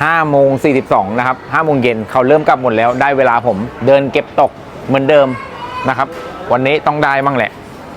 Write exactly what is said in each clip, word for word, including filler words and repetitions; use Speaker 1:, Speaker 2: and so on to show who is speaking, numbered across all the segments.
Speaker 1: ห้าโมงสี่สิบสองนะครับห้าโมงเย็นเขาเริ่มกลับหมดแล้วได้เวลาผมเดินเก็บตกเหมือนเดิมนะครับวันนี้ต้องได้มั่งแหละ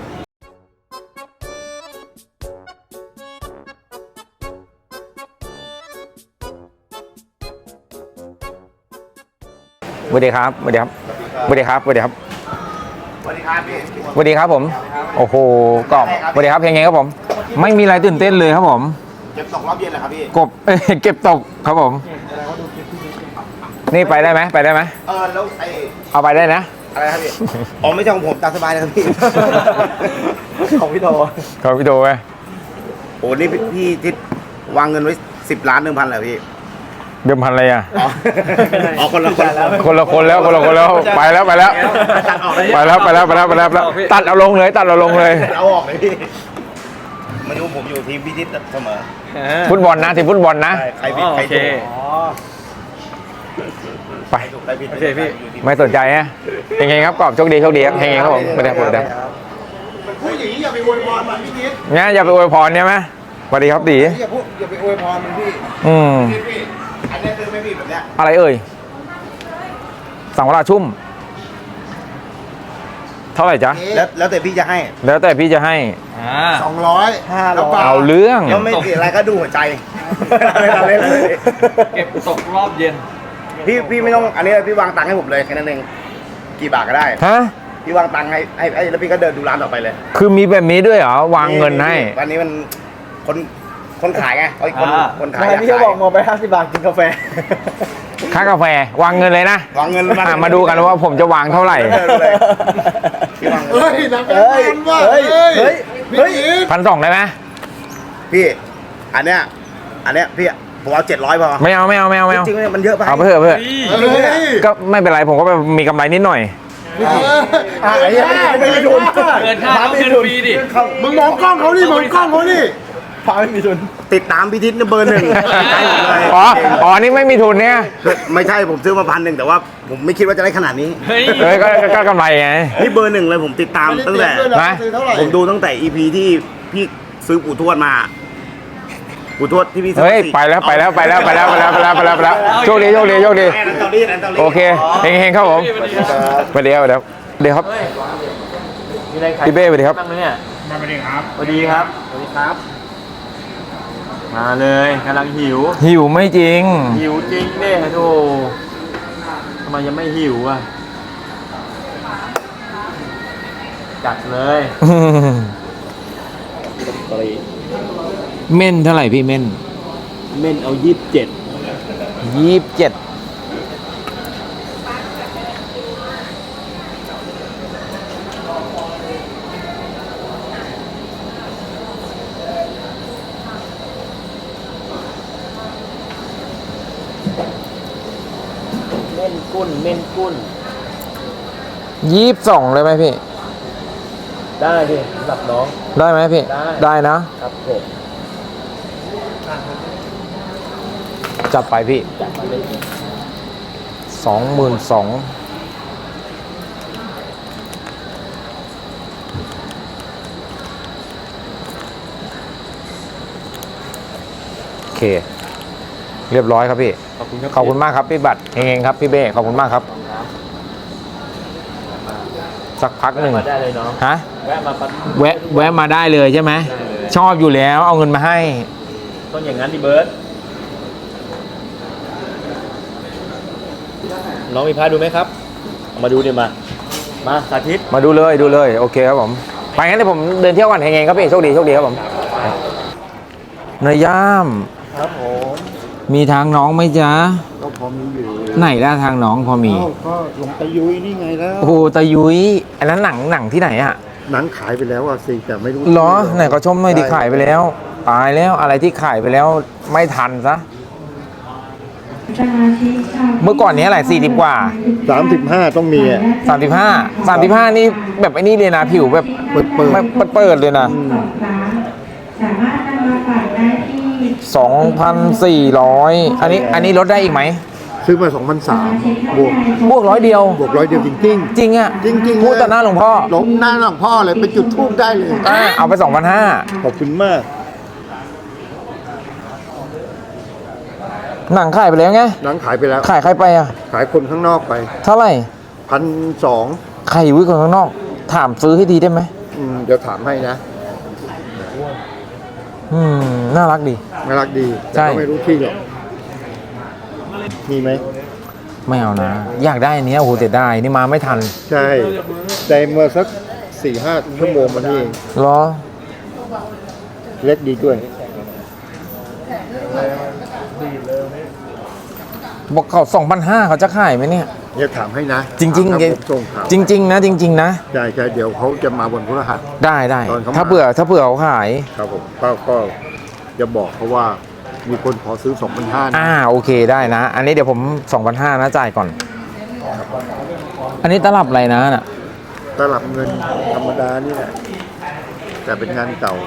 Speaker 1: สวัสดีครับสวัสดีครับสวัสดีครับสวัสดีครับ
Speaker 2: สวัสดีครับพี่
Speaker 1: สวัสดีครับผมโอ้โหกอบสวัสดีครับเพลงไงครับผมไม่มีอะไรตื่นเต้นเลยครับผม
Speaker 2: เก็บตกรอบเย็นเหรอครับพี่
Speaker 1: กบเก็บตกครับผมนี่ไปได้ไหมไปได้ไหม
Speaker 2: เออแล้วไอ
Speaker 1: เอาไปได้นะ
Speaker 2: อะไรครับพี่อ๋อไม่ใช่ของผมตามสบายเลยครับพี่ของพี่โต
Speaker 1: ของพี่โตไหม
Speaker 2: โอ้นี่พี่ทิศวางเงินไว้สิบล้านหนึ่งพันเหรอพี่
Speaker 1: เดิมพันอะไรอ่ะ
Speaker 2: อ๋อคนละคนแล้ว
Speaker 1: คนละคนแล้วคนละคนแล้วไปแล้วไปแล้วไปแล้วไปแล้วไปแล้วไปแล้วตัดเอาลงเลยตัดเอาลงเลย
Speaker 2: เอาออกเลยพี่มาดูผมอยู่ทีมพี่ทิศเสมอ
Speaker 1: ฟุตบอลนะทีมฟุตบอลนะ
Speaker 2: ใครผิดใครถูก
Speaker 1: ไป
Speaker 2: โอเคพี่
Speaker 1: ไม่สนใจฮะเฮงๆครับกอบโชคดีโชคดีครับเฮงๆครับผมไม่ได้พูดได้
Speaker 2: ผู้หญิงอย่าไปอวยพรมันพี่ทิศ
Speaker 1: เนี่ยอย่าไปอวยพรเนี่ยไหมสวัสดีครับตี
Speaker 2: อย่าพูดอย่าไปอวยพรมันพี่
Speaker 1: อืม
Speaker 2: อันนี้คือไม่ผิดแบบเนี้ย
Speaker 1: อะไรเอ่ยสังวราชุ่มเท่าไหร่จ๊ะ
Speaker 2: แล้วแล้วแต่พี่จะให้
Speaker 1: แล้วแต่พี่จะให้
Speaker 2: สองร้อยห้าร้อย
Speaker 1: เอาเรื่อง
Speaker 2: แล้วไม่ติดอะไรก็ดูหัวใจ
Speaker 3: เก็บตกรอบเย็น
Speaker 2: พี่พี่ไม่ต้องอันนี้พี่วางตังค์ให้ผมเลยแค่นั้นเองกี่บาทก็ได้
Speaker 1: ฮะ
Speaker 2: พี่วางตังค์ให้ให้ให้แล้วพี่ก็เดินดูร้านต่อไปเลย
Speaker 1: คือมีแบบนี้ด้วยเหรอวางเงินให้
Speaker 2: วันนี้มันคนคนขายไงไอ้คนคนขาย
Speaker 3: พี่จะบอกมองไปห้าสิบบาทกินกาแฟ
Speaker 1: ค่ากาแฟวางเงินเลยนะ
Speaker 2: วางเงิน
Speaker 1: มาดูกันว่าผมจะวางเท่าไหร่
Speaker 2: เฮ้ยนับเป็นพันว่าเฮ้ยเฮ้ยเฮ้ย
Speaker 1: พันสองได้ไหม
Speaker 2: พี่อันเนี้ยอันเนี้ยพี่ผมเอาเจ็ดร้อยพอ
Speaker 1: ไม่เอาไม่เอาไม่เอาไม่เอา
Speaker 2: จริงๆมันเยอะไป
Speaker 1: เอาไปเถอะเพื่อก็ไม่เป็นไรผมก็มีกำไรนิดหน่อย
Speaker 2: อ่าไอ้ยังไม่มีทุน
Speaker 3: เกินค่าเกินปีดิ
Speaker 2: มึงมองกล้องเขาดิมองกล้องเขาดิพาไม่มีทุนติดตามพิทิศเบอร์หนึ่ง
Speaker 1: อ๋ออ๋อนี่ไม่มีทุนเนี่ย
Speaker 2: ไม่ใช่ผมซื้อมาพันหนึ่งแต่ว่าผมไม่คิดว่าจะได้ขนาดนี้
Speaker 1: เฮ้ยก็กำไรไง
Speaker 2: นี่เบอร์หนึ่งเลยผมติดตามตั้งแต่ผมดูตั้งแต่ อี พี ที่พี่ซื้อปู่ทวดมาปู่ทวดที่พี่ซื้อ
Speaker 1: เฮ้ยไปแล้วไปแล้วไปแล้วไปแล้วไปแล้วไปแล้วไปแล้วไปแล้วโชคดีโชคดีโชคดีโอเคเฮงเฮงครับผมไปเดี๋ยวเดี๋ยวเดี๋ยวครับพี่เบ้ไปดีครับ
Speaker 3: มาเลยครับสวัสดีครับสวัสดีครับสวัสดีครับมาเลยกำลังหิว
Speaker 1: หิวไม่จริง
Speaker 3: หิวจริงเด้โธ่ทำไมยังไม่หิวอ่ะจัดเลย
Speaker 1: เม่นเท่าไหร่พี่เม่น
Speaker 3: เม่นเอายี่สิบเจ็ด
Speaker 1: ยี่สิบเจ็ด
Speaker 3: เม่นกุ้นเม่นกุ้น
Speaker 1: ยี่สิบสองเลยไหมพี่
Speaker 3: ได้พี่สำหรับน้อง
Speaker 1: ได้ไหมพี่ได้ได้นะครับ
Speaker 3: ผม
Speaker 1: จัดไปพี่
Speaker 3: จัดไปเลย
Speaker 1: สองหมื่นสองโอเคเรียบร้อยครับพี่ขอบคุณขอบคุณมากครับพี่บัตรเฮงๆครับพี่เบ้ขอบคุณมากครับสักพักหนึ่ง
Speaker 3: ได้เลยเนาะ
Speaker 1: ฮะ
Speaker 3: แวะมา
Speaker 1: แวะแวะมาได้เลยใช่ไหมชอบอยู่แล้วเอาเงินมาให้
Speaker 3: ต้องอย่างนั้นดิเบิร์ตน้องมีพาดูไหมครับมาดูดิมามาสาธิต
Speaker 1: มาดูเลยดูเลยโอเคครับผมไปงั้นเดี๋ยวผมเดินเที่ยวก่อนเฮงๆครับพี่โชคดีโชคดีครับผมนายย่าม
Speaker 2: ครับผม
Speaker 1: มีทางน้องไหมจ๊ะ
Speaker 2: ก็พอมีอยู่
Speaker 1: ไหนล่ะทางน้องพอมี
Speaker 2: ก็ลงตะยุยนี่ไงแล้ว
Speaker 1: โอ้โหตะยุยอันนั้นหนังหนังที่ไหนอะ
Speaker 2: หนังขายไปแล้วอ่ะสิแต่ไม่รู้
Speaker 1: เหรอไหนก็ชมหน่อยดิขายไปแล้วตายแล้วอะไรที่ขายไปแล้วไม่ทันซะเมื่อก่อนนี้อะไรสี่สิบกว่า
Speaker 2: สามสิบห้าต้องมีอ่ะ
Speaker 1: สามสิบห้าสามสิบห้านี่แบบไอ้นี่เลยนะผิวแบบ
Speaker 2: เปิดเปิ
Speaker 1: ดเปิดเลยนะสองพันสี่ร้อยอันนี้อันนี้ลดได้อีกไหม
Speaker 2: ซื้อมาสองพันสามบวก
Speaker 1: บวกร้อยเดียว
Speaker 2: บวกร้อยเดียวจริงจริง
Speaker 1: จริงอ่ะ
Speaker 2: จริงจริง
Speaker 1: พูดต่อหน้าหลวงพ่อ
Speaker 2: หลงหน้าหลวงพ่อเลยไปจุดธูปได้เลย
Speaker 1: เอาไปสองพันห้า
Speaker 2: ขอบคุณมาก
Speaker 1: หนังขายไปแล้วไง
Speaker 4: หนังขายไปแล้ว
Speaker 1: ขายใครไปอ่ะ
Speaker 4: ขายคนข้างนอกไป
Speaker 1: เท่าไหร่
Speaker 4: พันสอง
Speaker 1: ใครอยู่คนข้างนอก ถามซื้อให้ดีได้ไหม
Speaker 4: เดี๋ยวถามให้นะ
Speaker 1: อืมน่ารักดี
Speaker 4: น่ารักดี
Speaker 1: ใช่
Speaker 4: แต่ก็ไม่รู้ที่หรอกมีไหม
Speaker 1: ไม่เอานะ อยากได้อันเนี้ยโอ้โหเสียดายนี่มาไม่ทัน
Speaker 4: ใช่ได้เมื่อสักสี่ห้าชั่วโมงมานี่เอง
Speaker 1: เหรอ
Speaker 4: เล็กดีด้วย
Speaker 1: บอกเขาสองพันห้าเขาจะขายไหมเนี่ย
Speaker 4: เดี๋ยวถามให้นะ
Speaker 1: จริงๆ
Speaker 4: ถาม
Speaker 1: เดี๋ยว
Speaker 4: ผมส่งข่าว
Speaker 1: จริง ๆ นะ จริง ๆ นะ
Speaker 4: ใช่ใช่เดี๋ยวเขาจะมาบนพฤหัส
Speaker 1: ได้ได้
Speaker 4: ตอนเขามา
Speaker 1: ถ้าเผื่อถ้าเผื่อเขาขาย
Speaker 4: ครับผมก็ก็จะบอกเขาว่ามีคนขอซื้อสองพันห้า
Speaker 1: อ่าโอเคได้นะ อันนี้เดี๋ยวผมสองพันห้านะจ่ายก่อน อันนี้ตลับอะไรนะน่ะ
Speaker 4: ตลับเงินธรรมดานี่แหละแต่เป็นงานเก่า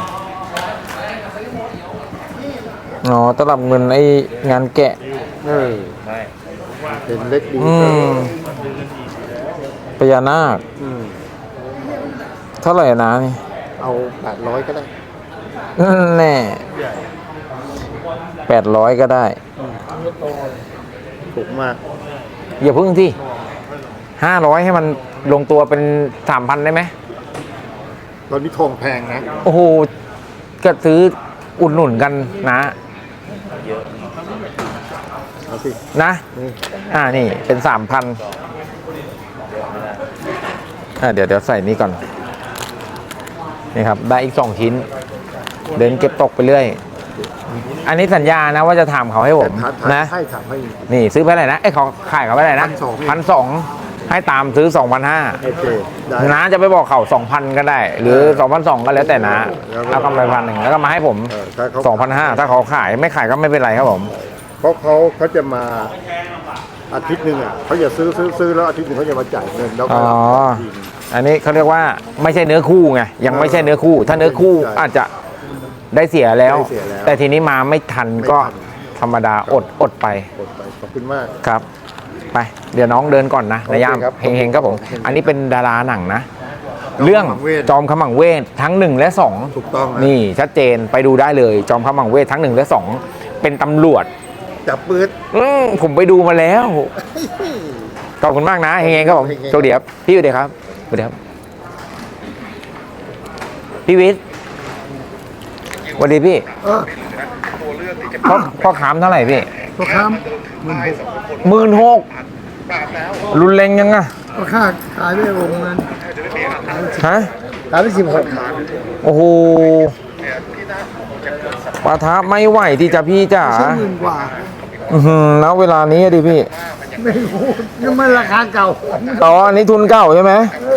Speaker 1: อ๋อตลับเงินไอ้งานแกะ
Speaker 4: เออเป็นเล็กดี
Speaker 1: อืมพญานาค
Speaker 4: อืม
Speaker 1: เท่าไหร่นะนี่
Speaker 4: เอาแปดร้อยก็ได้
Speaker 1: แน่แปดร้อยก็ได้
Speaker 4: ถูกมาก
Speaker 1: อย่าพึ่งที่ห้าร้อยให้มันลงตัวเป็นสามพันได้ไหม
Speaker 4: ตอนนี้ทองแพงนะ
Speaker 1: โอ้โหก็ซื้ออุดหนุนกันนะ
Speaker 4: เอาสิ
Speaker 1: นะ
Speaker 4: นี่
Speaker 1: อ่านี่เป็นสามพันอ่าเดี๋ยวเดี๋ยวใส่นี่ก่อน นี่ครับ ได้อีกสองชิ้น เดินเก็บตกไปเรื่อย อันนี้สัญญานะว่าจะถามเขาให้ผม
Speaker 4: แต่ถามถาม
Speaker 1: นะ
Speaker 4: ให้ถามให้
Speaker 1: นี่ซื้อไปเท่าไหร่นะไอ้ยเขาขายเขาไปเท่าไหร่นะ
Speaker 4: พั
Speaker 1: พัน
Speaker 4: น
Speaker 1: ส
Speaker 4: ส
Speaker 1: อ
Speaker 4: อง ง
Speaker 1: ให้ตามซื้อสองพันห้า
Speaker 4: โอเคได้
Speaker 1: นะจะไปบอกเขาสองพันก็ได้ หรือสองพันสองก็แล้วแต่นะ
Speaker 4: แล้วก็
Speaker 1: เอากำไรพันหนึ่งแล้วก็มาให้ผม
Speaker 4: เออถ้าเขา
Speaker 1: สองพันห้าถ้าเขาขายไม่ขายก็ไม่เป็นไรครับผม
Speaker 4: เพราะเขาเขาจะมาอาทิตย์หนึ่งอ่ะเขาจะซื้อซื้อซื้อแล้วอาทิตย์หนึ่งเขาจะมาจ่ายเงินแล้วก็
Speaker 1: อ๋อ
Speaker 4: ทีนึง
Speaker 1: อันนี้เขาเรียกว่าไม่ใช่เนื้อคู่ไงยังไม่ใช่เนื้อคู่ ถ้าเนื้อคู่
Speaker 4: ใช่
Speaker 1: อาจจะได้เสียแล้ว
Speaker 4: ได้เสียแล้ว
Speaker 1: แต่ทีนี้มาไม่ทัน
Speaker 4: ไม่
Speaker 1: ก็
Speaker 4: ทัน
Speaker 1: ธรรมดาอดอดไป
Speaker 4: กดไปขอบคุณมาก
Speaker 1: ครับ ไปเดี๋ยวน้องเดินก่อนนะ
Speaker 4: โอเค
Speaker 1: นายยาม
Speaker 4: ครับ
Speaker 1: เฮงๆครับผม อันนี้เป็นดาราหนังนะ
Speaker 4: จอม
Speaker 1: เรื่อง
Speaker 4: ขมังเวท
Speaker 1: จอมขมังเวททั้งหนึ่งและสอง
Speaker 4: ถูกต้องนะ
Speaker 1: นี่ชัดเจนไปดูได้เลย จอมขมังเวททั้งหนึ่งและสองเป็นตำรวจ
Speaker 4: จับปืน
Speaker 1: อืมผมไปดูมาแล้วขอบคุณมากนะเฮงๆครับผม
Speaker 4: เฮงๆ
Speaker 1: โชคดีครับพี่สวัสดีครับสวัสดีครับพี่วิทย์สวัสดีพี่
Speaker 4: เออ
Speaker 1: พ่อพ่อขามเท่าไหร่พี่
Speaker 4: พ่อค้า
Speaker 1: หมื่นหกรุนแรงยังอะ
Speaker 4: พ่อค้าขายไม่วงเงิน
Speaker 1: ฮะ
Speaker 4: ขายไปสิบหก
Speaker 1: โอ้โหปะทะไม่ไหวที่จะพี่จ๋า
Speaker 4: ใช่หมื่นกว่า
Speaker 1: อือหือแล้วเวลานี้อะดิพี่
Speaker 4: ไม่รู้นี่มันราคาเก่า
Speaker 1: อ๋ออันนี้ทุนเก่าใช่ไหม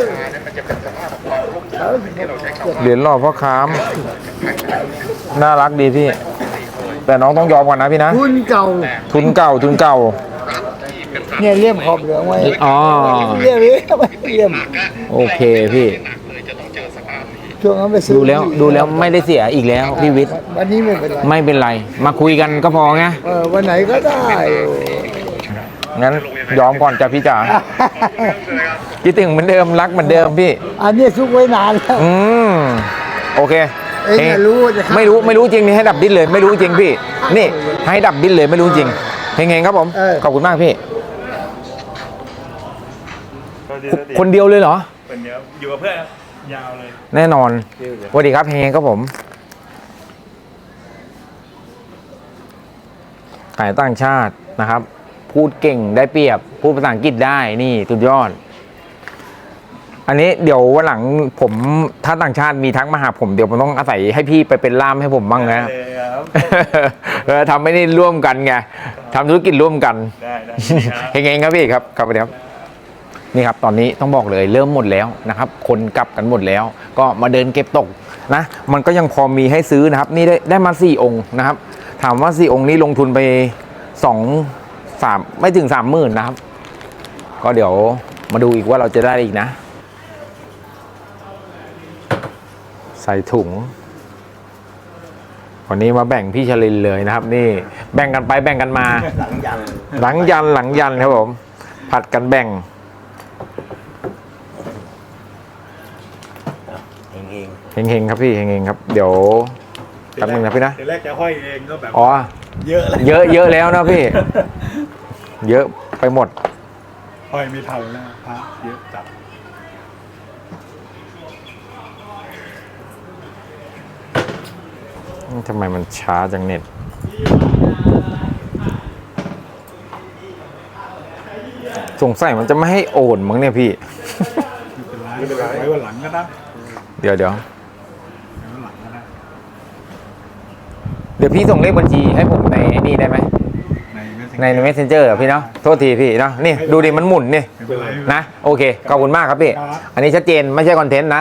Speaker 1: เหรียญหล่อพ่อค้ามน่ารักดีพี่ แต่น้องต้องยอมก่อนนะพี่นะ
Speaker 4: ทุนเก่า
Speaker 1: ทุนเก่าทุนเก่า
Speaker 4: เนี่ยเลี่ยมขอบเหลืองไว้
Speaker 1: อ๋อ
Speaker 4: เลี่ยมเลี่ยมเลี่ยม
Speaker 1: โอเคพี่
Speaker 4: ช่วงนั้นไปซื้อ
Speaker 1: ดูแล้วดูแล้วไม่ได้เสียอีกแล้วพี่วิทย์
Speaker 4: วันนี้ไม่เป็นไร
Speaker 1: ไม่เป็นไร มาคุยกันก็พอไง
Speaker 4: เออวันไหนก็ได้
Speaker 1: งั้นยอมก่อนจ้ะพี่จ๋าคิดถึงเหมือนเดิมรักเหมือนเดิมพี่
Speaker 4: อันนี้ซุกไว้นานแล้ว
Speaker 1: อืมโอเค
Speaker 4: เองอย่ารู้ว่าจะฆ่า
Speaker 1: ไม่รู้ไม่รู้จริงนี่ให้ดับดิ้นเลย ไม่รู้จริงพี่ นี่ให้ดับดิ้นเลยไม่รู้จริงเฮงๆครับผม
Speaker 4: เออ
Speaker 1: ขอบคุณมากพี่ คนเดียวเลยเหรอ
Speaker 3: คนเดียวอยู่กับเพื่อนยาวเลย
Speaker 1: แน่นอนสวัสดีครับเฮงๆครับผมขายต่างชาตินะครับ พูดเก่งได้เปรียบ พูดภาษาอังกฤษได้นี่สุดยอด อันนี้เดี๋ยววันหลังผมถ้าต่างชาติมีทักมาหาผมเดี๋ยวผมต้องอาศัยให้พี่ไปเป็นล่ามให้ผมบ้างนะ
Speaker 3: เลยครับ
Speaker 1: เออทำไม่ได้ร่วมกันไงทำธุรกิจร่วมกัน
Speaker 3: ได้ได้ครับ
Speaker 1: เฮงๆครับพี่ครับครับสวัสดีครับนี่ครับตอนนี้ต้องบอกเลยเริ่มหมดแล้วนะครับ คนกลับกันหมดแล้ว ก็มาเดินเก็บตกนะ มันก็ยังพอมีให้ซื้อนะครับ นี่ได้ได้มาสี่องค์นะครับ ถามว่าสี่องค์นี้ลงทุนไปสองสามไม่ถึงสามหมื่นนะครับ ก็เดี๋ยวมาดูอีกว่าเราจะได้อีกนะ ใส่ถุงวันนี้มาแบ่งพี่ชลินเลยนะครับ นี่แบ่งกันไปแบ่งกันมา หลังยันหลังยันหลังยันครับผมผัดกันแบ่งเฮงๆครับพี่เฮงๆครับ เดี๋ยวแป๊บนึงนะพี่นะ
Speaker 5: ทีแรกจะห้อยเองก็แบบ
Speaker 1: อ๋อ
Speaker 5: เยอะเลย
Speaker 1: เยอะเยอะแล้วนะพี่ เยอะไปหมด
Speaker 5: ห้อยไม่ทันแล้วพระเยอะจัด
Speaker 1: ทำไมมันช้าจังเน็ตสงสัยมันจะไม่ให้โอนมั้งเนี่ยพี่
Speaker 5: ไม่เป็นไรไว้วันหลังก็ได้
Speaker 1: เดี๋ยวเดี๋ยว
Speaker 5: ไว้วันหลังก็ได้
Speaker 1: เดี๋ยวพี่ส่งเลขบัญชีให้ผมในนี่ได้ไหม
Speaker 5: ใน
Speaker 1: ใน messenger อะพี่เนาะโทษทีพี่เนาะนี่ดูดิมันหมุนนี่
Speaker 5: ไม่เป็นไร
Speaker 1: นะโอเคขอบคุณมากครับพี่
Speaker 5: ครับ
Speaker 1: อันนี้ชัดเจนไม่ใช่คอนเทนต์นะ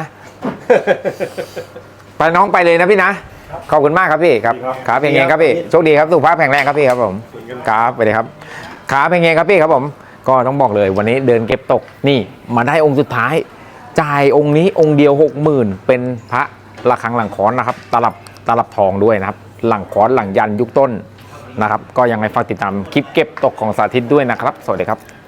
Speaker 1: ไปน้องไปเลยนะพี่นะขอบคุณมากครับพี่ครับขาเพลงเงครับพี่โชคดีครับสุขภาพแข็งแรงครับพี่ครับผมครับไปเลยครับขาเพลงเงครับพี่ครับผมก็ต้องบอกเลยวันนี้เดินเก็บตกนี่มาได้องค์สุดท้ายจ่ายองค์นี้องค์เดียวหกหมื่นเป็นพระระฆังหลังค้อนนะครับตลับตลับทองด้วยนะครับหลังค้อนหลังยันยุคต้นนะครับก็ยังไงฝากติดตามคลิปเก็บตกของสาธิตด้วยนะครับสวัสดีครับ